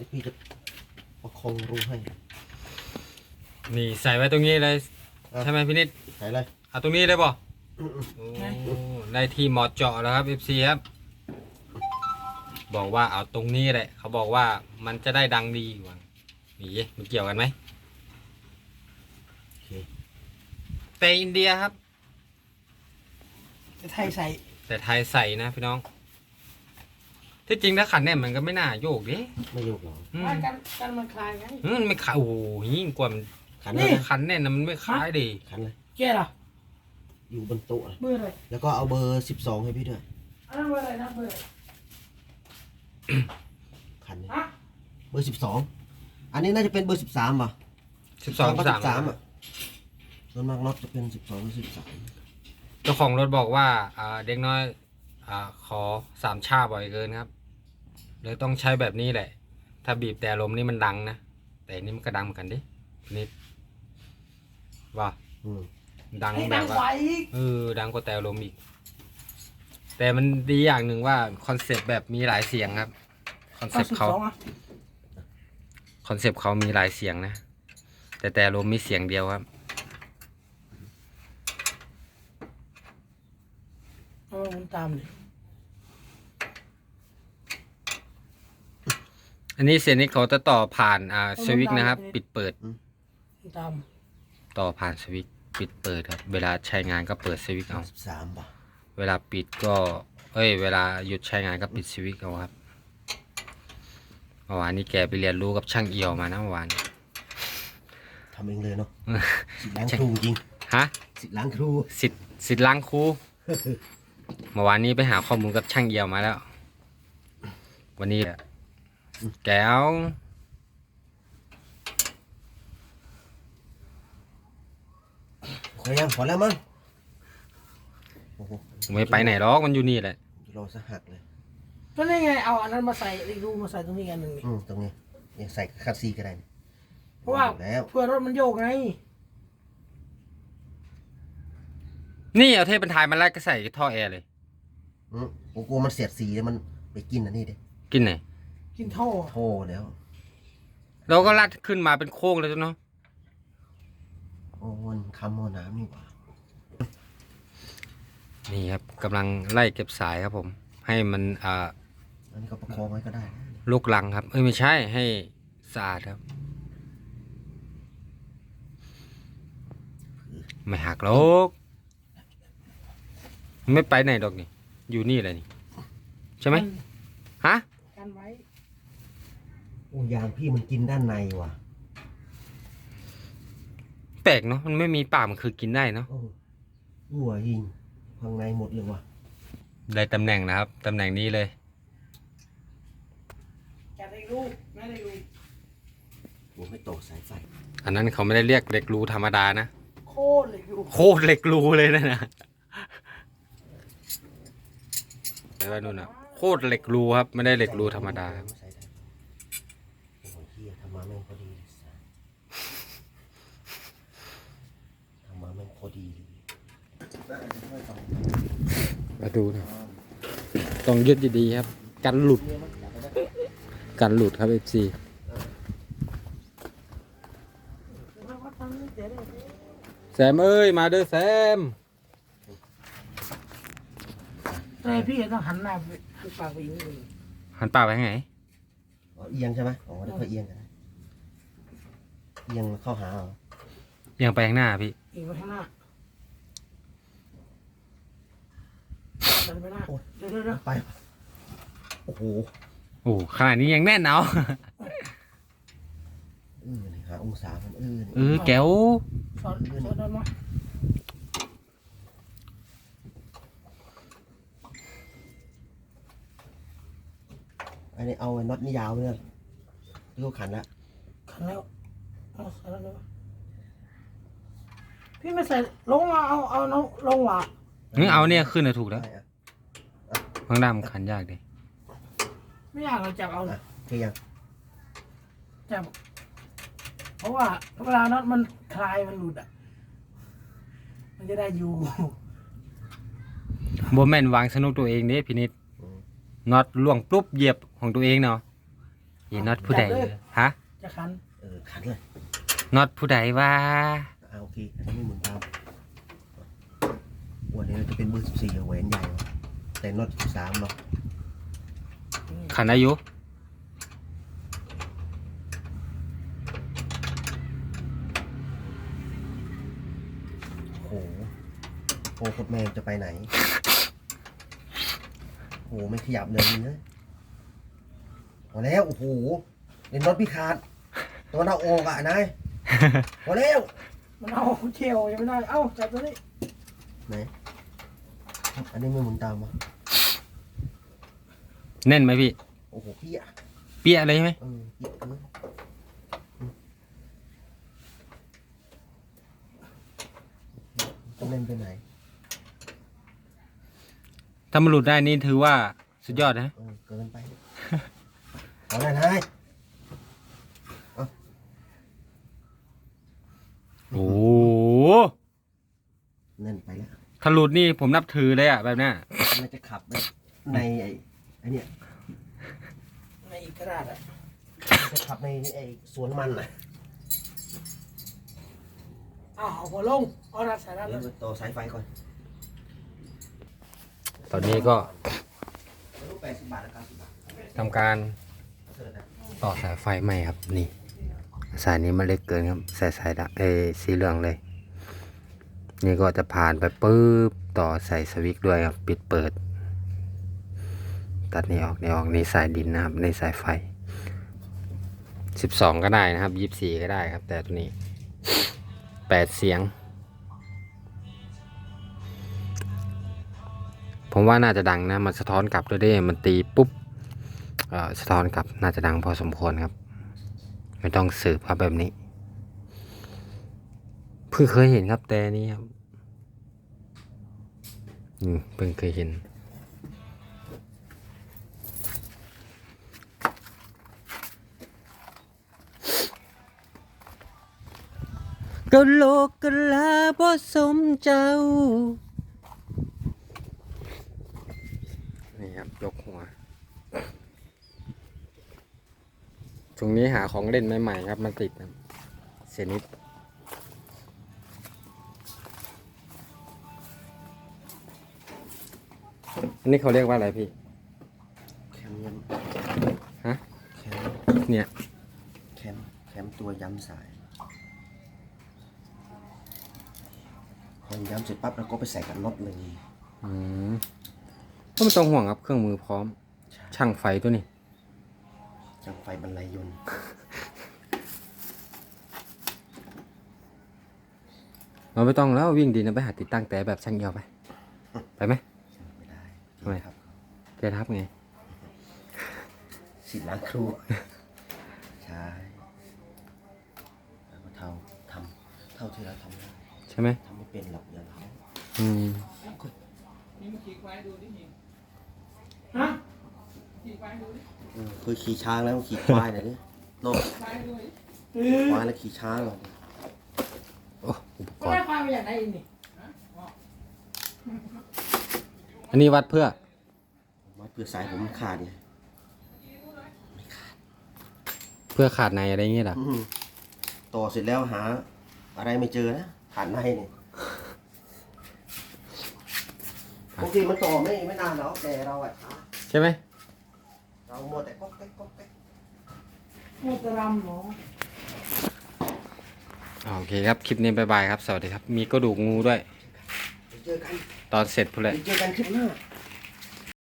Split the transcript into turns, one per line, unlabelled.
พี่จะประคองรูให้
นี่ใส่ไว้ตรงนี้เลยใช่ไหมพี่นิด
ใส่เลย
เอาตรงนี้เลยป่ะได้ที่เหมาะเจาะแล้วครับ FC ครับบอกว่าเอาตรงนี้แหละเขาบอกว่ามันจะได้ดังดีกว่านี่มันเกี่ยวกันไหมแต่อินเดียครับ
แต่ไทยใส่
แต่ไทยใส่นะพี่น้องที่จริงถ้าขันเนี่ยมันก็ไม่น่าโยกดิ
ไม่โยกหรอก
กันมันคลายไง
มันไม่ขายโอ้โหยิ่งกว่ามันขันเนี่ยนะมันไม่ขายดิ
ขันเลย
แก่หรอ
อยู่บนโต๊ะ
เบอร์อะไร
แล้วก็เอาเบอร์12ให้พี่ด้วย
อันนั้นเบอร์อะไรนะเบอร์
ขันเบอร์12อันนี้น่าจะเป็นเบอร์13ป่ะ
12กับ
13อ่ะส่วนมากน็อตจะเป็น12หรือ13
เจ้าของรถบอกว่าเด็กน้อยขอ3 ชาบ่อยเกินครับเลยต้องใช้แบบนี้แหละถ้าบีบแต่ลมนี่มันดังนะแต่นี่มันก็ดังเหมือนกันดินิดว่าดังแบบว่าดังกว่าแต่ลมอีกแต่มันดีอย่างหนึ่งว่าคอนเซปต์แบบมีหลายเสียงครับคอนเซปต์เขามีหลายเสียงนะแต่ลมมีเสียงเดียวครับ
มันตามเลย
อันนี้เสียงนี้เขาจะต่อผ่านสวิตช์นะครับปิดเปิด
ตาม
ต่อผ่านสวิตช์ปิดเปิดครับเวลาใช้งานก็เปิดสวิตช์เอา
13ป่ะ
เวลาปิดก็เวลาหยุดใช้งานก็ปิดสวิตช์เอาครับเมื่อวานนี้แกไปเรียนรู้กับช่างเอี่ยวมานะเมื่อวาน
ทำเองเลยเนาะสิทธิ์ล้างครูจริง
ฮะ
สิทธิ์ล้างครู
สิทธิ์ล้างครูเมื่อวานนี้ไปหาข้อมูลกับช่างเอี่ยวมาแล้ววันนี้แก้ว
พอยังพอแล้วมั้ง
ไม่ไปไหนหรอกมันอยู่นี่แหละ
รอสักหักเลย
ก็นี่ไงเอาอันนั้นมาใส่อีกรูมาใส่ตรงนี้กันหนึ่งนี่
ตรงนี้เนี่ยใส่คัดซีก็ได้
เพราะว่าเพื่อรถมันโยกไง
นี่เอาเทปบรรทายมันไล่ก็ใส่ท่อแอร์เลย
ผมกลัวมันเสียดสีแล้วมันไปกินอันนี้ดิ
กินไหน
กินท่อ
แล้ว
เราก็ลัดขึ้นมาเป็นโค้งเลยจ้ะเนาะ
โอ้มันคำหัวน้ำนี่หว่า
นี่ครับกำลังไล่เก็บสายครับผมให้มัน
อันนี้ก็ประคองไว้ก็ได้
ลูกลังครับไม่ใช่ให้สะอาดครับไม่หักหรอกไม่ไปไหนดอกนี่อยู่นี่แหละนี่ใช่ไหมฮะ
กันไว้
โอ้ยางพี่มันกินด้านในว่ะ
แปลกเนาะมันไม่มีปากมันคือกินได้เนาะ
หัวยิงข้างในหมดเลยว่ะ
ได้ตำแหน่งนะครับตำแหน่งนี้เลย
จะได้รูไม่ได้รู
ผมไม่ตกสายไฟ
อันนั้นเขาไม่ได้เรียกเหล็กรูธรรมดานะ
โคตรเหล็กรู
เลยนะไปว่านู่นนะโคตรเหล็กรูครับไม่ได้เหล็กรูธรรมดาครับ
ทำมาแม่งพอดี
มาดูนะต้องยึดดีๆครับกันหลุดครับ FC แซมเอ้ยมาเด้อแซม
แต่พี่ต้องหันหน้าหันปากไปอย่างนี้
หันปากไปไง
เอียงใช่ไหมอ๋อเดี๋ยวค่อยเอียงกันเอียงเข้าหา
เอียงไปข้างหน้าพี่
เอียงไปข้างหน้าไปหน้าเดี๋ยว
ไปโอ้โห
ขนาดนี้ยังแน่นเอา
หาองศามัน
แก้ว
สอนได้ไหม
อันนี้เอาน็อตนี่ยาวเลยที่เขาขันแล้ว
เอาใส่แล้วเลยพี่ไม่ใส่ลงเอาน้องลงว่ะ
เอาเนี่ยขึ้นเลยถูกแล้วข้างหน้ามันขันยากดิ
ไม่อยากเราจับเอาเลย
คือยัง
จับเพราะว่าเวลาน็อตมันคลายมันหลุดอ่ะมันจะได้อยู่
โบแมนวางสนุกตัวเองเนี่ยพี่นิดน็อตล่วงปุ๊บเหยียบของตัวเองเนาะอีน็อตผู้ใดฮะ
จะคัน
ขันเลย
น็อตผู้ใดว่า
โอเคอันนี้ไม่หมุนตามวันนี้จะเป็นเบอร์14แหวนใหญ่แต่น็อต13เนาะ
ขันอายุ
โอ้โหโคตรแมงจะไปไหนโอ้โหไม่ขยับเลยเนี่ยพอแล้วโอ้โหเล่นน็อตพิขาดตัวหน้าอกอ่ะนายพอแล้ว
มันเอาเชี่ยวยังไม่ได้เอ้าจับตัวนี้
ไหนอันนี้ไม่หมุนตามวะ
แน่นไหมพี่
โอ้โหพี่อ่ะ
เปี้ยเลยไหม
พี่ต้องเล่นไปไหน
ถ้ามันหลุดได้นี่ถือว่าสุดยอดนะ
เกินไปเอาหน่อยนาย
โอ้
เล่นไปแล้ว
ถ้าหลุดนี่ผมนับถือเลยอะแบบเนี้ย
มันจะขับในไอ้เนี่ย
ในอีกกระดาษอ่ะ
จะขับในไอ้สวนมันน่ะ
เอาหัวลงเอาดัดสายดัด
เดี๋ยวต่อสายไฟก่อน
ตอนนี้ก็
รูป80 บาทนะครับ10 บาท
ทำการ
เสิร์ฟนะ
ต่อสายไฟใหม่ครับนี่ สายนี้มันเล็กเกินครับสายดำสีเหลืองเลย นี่ก็จะผ่านไปปุ๊บต่อใส่สวิตช์ด้วยครับปิดเปิด ตัดนี่ออกนี่สายดินนะครับในสายไฟ 12ก็ได้นะครับ24ก็ได้ครับ แต่ตัวนี้8เสียง ผมว่าน่าจะดังนะมันสะท้อนกลับด้วยได้มันตีปุ๊บสะท้อนกลับน่าจะดังพอสมควรครับ ไม่ต้องสืบครับแบบนี้เพิ่งเคยเห็นครับแต่นี้ครับเพิ่งเคยเห็นก็โลกกะลาบ่สมเจ้านี่ครับยกหัวช่วงนี้หาของเล่นใหม่ๆครับมันติดครับเซนิสอันนี้เขาเรียกว่าอะไรพี่
แคมยัน
ฮะ
แคม
เนี่ย
แคมตัวย้ำสายพอย้ำเสร็จปั๊บเราก็ไปใส่กับน็อตเลย
ก็ไม่ต้องห่วงครับเครื่องมือพร้อม ช่างไฟตัวนี้
จังไฟบรรลัยยนต์
เราไม่ต้องแล้ววิ่งดีนะไปหาติดตั้งแต่แบบช่างเอียวไปไหม
ไม่ได้
ทำไม
ครับ
เกทับไง
สิทธิ์ล้างครู ใช่แล้วก็เท่าที่เราทำได้
ใช่ไหม
ทำไม่เป็นหรอกอย่างเขา
ฮะ
เคยขี่ช้างแล้วขี่ควายหน่อยดิโน่ควายแล้วขี่ช้างหรอ
โอ้อุปก
ก็
ร
ได้
ณ์
ความอย่างไรนี่
อันนี้วัดเพื่อ
มาเพื่อสายผมขาดไง
เพื่อขาดในอะไรอย่างเงี้ยหรอ
ต่อเสร็จแล้วหา อะไรไม่เจอนะขาดในเนี่ยบางทีมันต่อไม่นานหรอกแต่เราอะช้า
ใช่ไหม
เรามัวแต่ก๊อกแก๊กก๊อกแก๊ก
โมตรำหมอ
โอเคครับคลิปนี้บ๊ายบายครับสวัสดีครับมีกระดูกงูด้วย
เดี๋ยวเจอกัน
ตอนเสร็จพูดเลย
เดี๋ยวเจอกันคลิปหน้า